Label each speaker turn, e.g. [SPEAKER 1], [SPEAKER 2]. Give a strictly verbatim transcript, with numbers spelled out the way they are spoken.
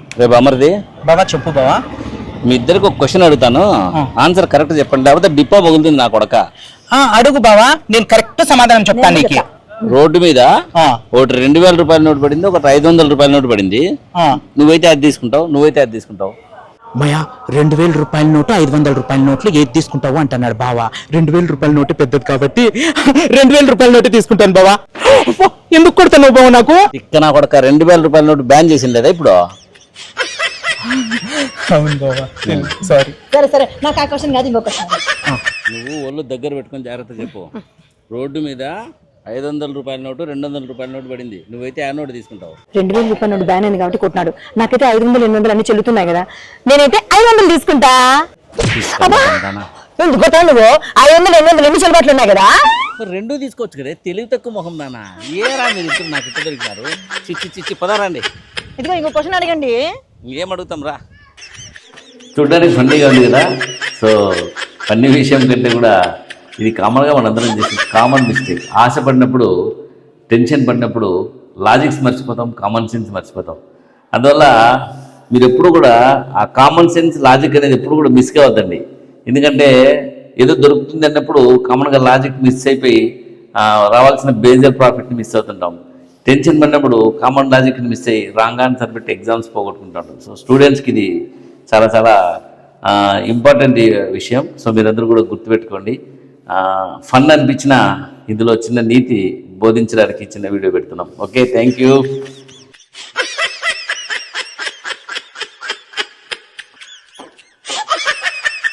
[SPEAKER 1] రేపు అమర్ది
[SPEAKER 2] బావా చెప్పు బావా.
[SPEAKER 1] మీ ఇద్దరికి ఒక క్వశ్చన్ అడుగుతాను, ఆన్సర్ కరెక్ట్ చెప్పండి, లేకపోతే డిప్పా పగులుతుంది నా కొడక.
[SPEAKER 2] ఆ, అడుగు బావా, నేను కరెక్ట్ సమాధానం చెప్తాను నీకు.
[SPEAKER 1] రోడ్డు మీద
[SPEAKER 2] ఆ,
[SPEAKER 1] ఒకటి రెండు వేల రూపాయల నోటు పడింది, ఒకటి ఐదు వందల రూపాయల నోటు పడింది.
[SPEAKER 2] ఆ.
[SPEAKER 1] నువ్వైతే అది తీసుకుంటావు, నువ్వైతే అది తీసుకుంటావు.
[SPEAKER 3] భయ రెండు వేల రూపాయల నోటు ఐదు వందల రూపాయల నోట్లు ఏది తీసుకుంటావు అంటున్నాడు బావా. రెండు వేల రూపాయల నోటు పెద్దది కాబట్టి రెండు వేల రూపాయల నోటు తీసుకుంటాను బావా. ఎందుకు కొడుతున్నావు బావా నాకు?
[SPEAKER 1] ఇక్క నా కొడక రెండు వేల రూపాయల నోటు బ్యాన్ చేసింది లేదా ఇప్పుడు?
[SPEAKER 3] అవును బావా, సారీ.
[SPEAKER 4] సరే సరే నాకు ఆ క్వశ్చన్ కాదు, ఇంకో క్వశ్చన్.
[SPEAKER 1] నువ్వు ఒళ్ళు దగ్గర పెట్టుకొని జాగ్రత్త చెప్పు. రోడ్డు మీద ఐదు వందల రూపాయల నోటు రెండు వందల రూపాయల నోటు పడింది, నువ్వైతే ఆ నోటు తీసుకుంటావు.
[SPEAKER 4] రెండు వేల రూపాయల నోటు బ్యాన్ అయింది కాబట్టి కొట్టినాడు. నాకైతే ఐదు వందలు ఎనిమిది వందలు అన్ని చెల్లుతున్నాయి కదా, నేనైతే ఐదు వందలు తీసుకుంటా. అబ్బా ఎందుకు కొట్టావు నువ్వు? ఐదు వందలు ఎనిమిది వందలు ఎన్ని చెల్లుబాట్లు ఉన్నాయి కదా.
[SPEAKER 1] రెండు తీసుకోవచ్చు కదా, తెలివి తక్కువ మొహం నానా. ఏరా మీరు ఇద్దరు నాకు ఇట్లా దొరికినారు. చిచ్చి చిచ్చి పదారండి.
[SPEAKER 4] ఇదిగో ఇంకో క్వశ్చన్ అడగండి.
[SPEAKER 1] ఇంకేం అడుగుతాం రా. చూడడానికి ఫన్నీగా ఉంది కదా. సో ఫన్నీ విషయం కంటే కూడా ఇది కామన్గా మనందరం చేసే కామన్ మిస్టేక్. ఆశపడినప్పుడు, టెన్షన్ పడినప్పుడు లాజిక్స్ మర్చిపోతాం, కామన్ సెన్స్ మర్చిపోతాం. అందువల్ల మీరు ఎప్పుడు కూడా ఆ కామన్ సెన్స్, లాజిక్ అనేది ఎప్పుడు కూడా మిస్ కావద్దండి. ఎందుకంటే ఏదో దొరుకుతుంది అన్నప్పుడు కామన్గా లాజిక్ మిస్ అయిపోయి రావాల్సిన బేజర్ ప్రాఫిట్ని మిస్ అవుతుంటాం. టెన్షన్ పడినప్పుడు కామన్ లాజిక్ని మిస్ అయ్యి రాంగ్ ఆన్సర్ పెట్టి ఎగ్జామ్స్ పోగొట్టుకుంటాం. సో స్టూడెంట్స్కి ఇది చాలా చాలా ఇంపార్టెంట్ విషయం. సో మీరందరూ కూడా గుర్తుపెట్టుకోండి. ఫన్ అనిపించిన ఇందులో చిన్న నీతి బోధించడానికి చిన్న వీడియో పెడుతున్నాం. Okay, thank you.